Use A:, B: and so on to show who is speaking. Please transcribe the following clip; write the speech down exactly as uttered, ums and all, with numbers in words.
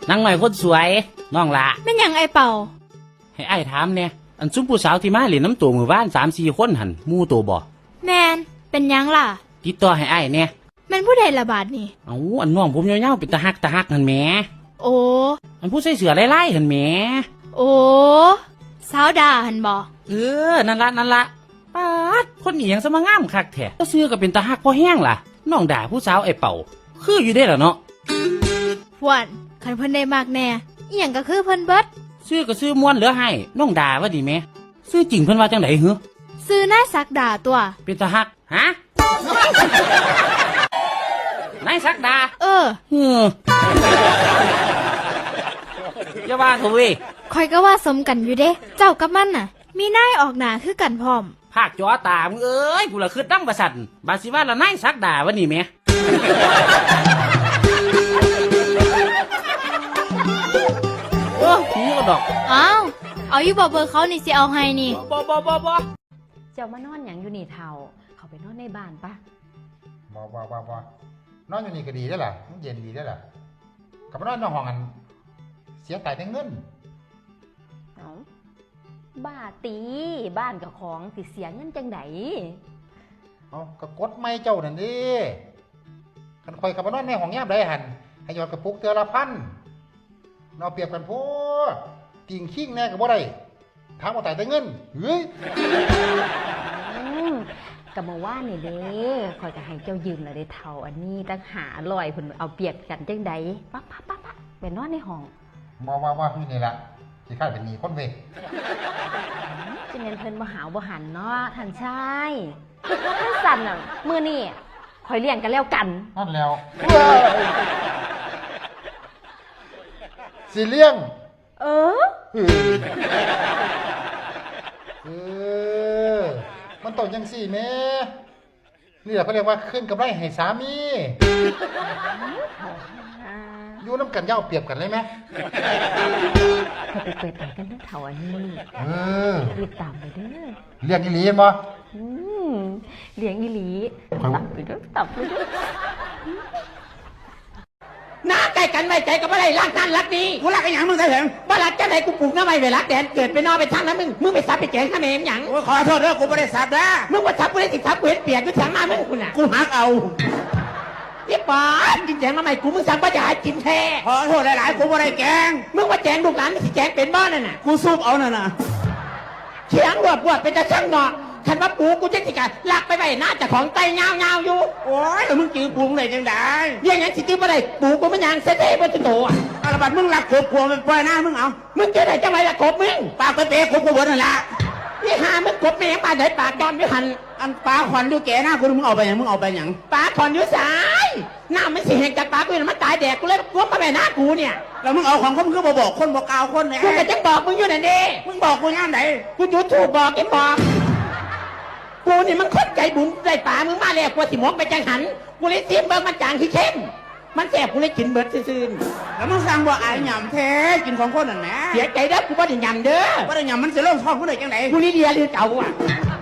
A: นางหน่อยคนสวยน้องละ
B: แม่นหยังไอเป่า
A: ให้ไอ้ถามเนี่ยอันซุ้มผู้สาวที่มาเล่นน้ำตัวมือบ้านสามสี่คนหันมู่ตัวบ่
B: แมนเป็นหยังล่ะ
A: ติดต่อให้ไอ้เนี่ย
B: แมนผู้ใดละบาดนี่
A: เอาอันน้องผมยาวๆเป็นตาฮักตาฮักหันแหม
B: โอ้
A: อันผู้ใส่เสื้อไล่ๆหันแหม
B: โอ้สาวดาหันบ่
A: เออนั่นละนั่นละป๊าดคนนี้ยังสมางามคักแท้ก็ซื้อก็เป็นตาฮักพอแห้งล่ะน้องด่าผู้สาวไอ้เป่าคืออยู่ได้ล่ะเนาะ
B: พวนคันเพิ่นได้มากแน่อีหยังก็คือเพิ่นเบิด
A: ซื้อก็ซื้อม้วนเหลือให้น้องด่าว่าดีไหมซื้อจริงเพิ่นว่าจังได๋หือ
B: ซื้อหน้าสักดาตัว
A: เป็นตาฮักฮะนายสักดา
B: เออ
A: เอออย่าว่าเถอะเว้ย
B: ข่อยก็ว่าสมกันอยู่เด้เจ้ากับมันน่ะมีนายออกหน้าคือกันพร้อม
A: ภาคจอตามึงเอ้ยกูละคือดั้งประสันบาสิว่าละนายสักดาวันนี้แม่โอ้หูกระดอก
B: อ้าวเอาอยู่บ่เบอร์เขานี่สิเอาให้นี่
A: บ่บ่บ่บ่
C: เจ้ามานอนหยังอยู่นี่เฒ่าเขาไปนอนในบ้านปะ
D: บ่บ่บ่บ่นอนอยู่นี่ก็ดีได้ล่ะมันเย็นดีได้ล่ะกับนอนในห้องกันเสียตายแต่เงิน
C: เอาบ้าตีบ้านกับของสิเสียเงินจังได
D: เอาก็กดไม่เจ้านั่นดิคันคอยกับนอนในห้องยามใดหั่นให้ยอดกระปุกเทื่อละพันเราเปรียบกันโพดติ่งขิงแน่ก็บ่ได้ถามว่าตายแต่เงินเฮ้ย
C: กับมาว่านี่เด้คอยจะให้เจ้ายืมละเด้เฒ่าอันนี้ตั้งหาลอยเพิ่นเอาเปรียบกันจังไดปั๊บปั๊บปั๊บปั๊บไปนอนในห้อง
D: บ่ว่าว่าคือนี่ล่ะสิคาดเป็นหนี้คนเว้ย
C: จะแม่นเพิ่นบ่หาวบ่หันเนาะท่านชายท่านสั่นน่ะมื้อนี้คอยเลี้ยงกันแล้วกัน
D: นั่นแล้วสิเลี้ยง
C: เออ
D: เออมันต้องจังสี่แม่นี่แหละเขาเรียกว่าขึ้นกับไรให้สามีอยู่น้ำกันเย้าเปรียบกันเลยไหม
C: เขาไปเปิดแต่กันทั้งเถาอันนี้
D: เออ
C: รีบตามไปเด้อ
D: เรียกอีหลีมั้ย
C: เลี้ยงอีหลีตับไปเด้อตับไปเด้อ
E: หน้าใกล้กันไม่ใจกับอะไรรักนั่นรักนี้กูรักไอ้หยังมึงได้เหรอบ้ารักจะไหนกูปลูกน้ำไม่ไปรักแดนเกิดไปนอนไปทางนั้นมึงมึงไปซับไปแกงข้าเมมหยัง
F: ขอโทษเด้อกูไม่ได้ซับนะ
E: มึงว่าซับกูได้สิซับกูเห็นเปียกกูสั่งมามึงกูน่ะ
F: กูหักเอา
E: เรียบร้อยกินแจงมาใหม่กูมึงสั่งว่าจะหากินแท้
F: ขอโทษหลายๆกูไม่ได้แกง
E: มึงว่าแจงลูกหลานสิแจงเป็นบ้านนั่นน่ะ
F: กูซุบเอาน่ะนะ
E: เชียงรวบรวบเป็นจะช่างเนาะคันว่าปูกูจะสิกะลักไปไปน่าจะของไตเงาเงาอยู่
F: โอ้ยมึงจื้อปูไหนจังได้
E: เรื่องงั้นสิจื้อมาได้ปูกูมันยังเสด็จบนตัวโตอ่ะ
F: อาบัดมึงรักขบขวมันปล่อยหน้ามึงเอา
E: มึงจะไหนจะมาละกบมึง
F: ปากไปเตะขบขวนั่นละ
E: นี่หามึงกบแม่งปลาไหนปากจอนไม่หัน
F: อันปลาขวัญดูแก่หน้ากูมึงเอาไปยังมึงเอาไปยัง
E: ปลาขวัญอยู่สายหน้ามันสิเห็นจากปลากูมันตายแดกกูเลยกบมาแม่หน้ากูเนี่ย
F: แล้วมึงเอาของเขามึงก็บอกคนบอกกล่าวคนเนี่ย
E: กูก็จะบอกมึงอยู่นั่นดิ
F: มึงบอกกูย่ามไหน
E: กูยูทูบบอกเอ็มบอกกูนี่มันคนใจบุญได้ป่ามึงมาแล้วกูสิมองไปจังหันกูเลยเสียมเบิกมันจางที่เข้มมันแสบกูเลยกินเบิดซื่อ
F: ๆแล้วมึงสั่งว่าไอ้หยำแท้กินของคนนั่นแหละ
E: เสียใจเด้อกูบ่ได้หยำเด้อ
F: บ่ได้หยำมันจะเริ่มท้องกูได้จังไหน
E: กูนี่เดียเรื่องเก่าอ่ะ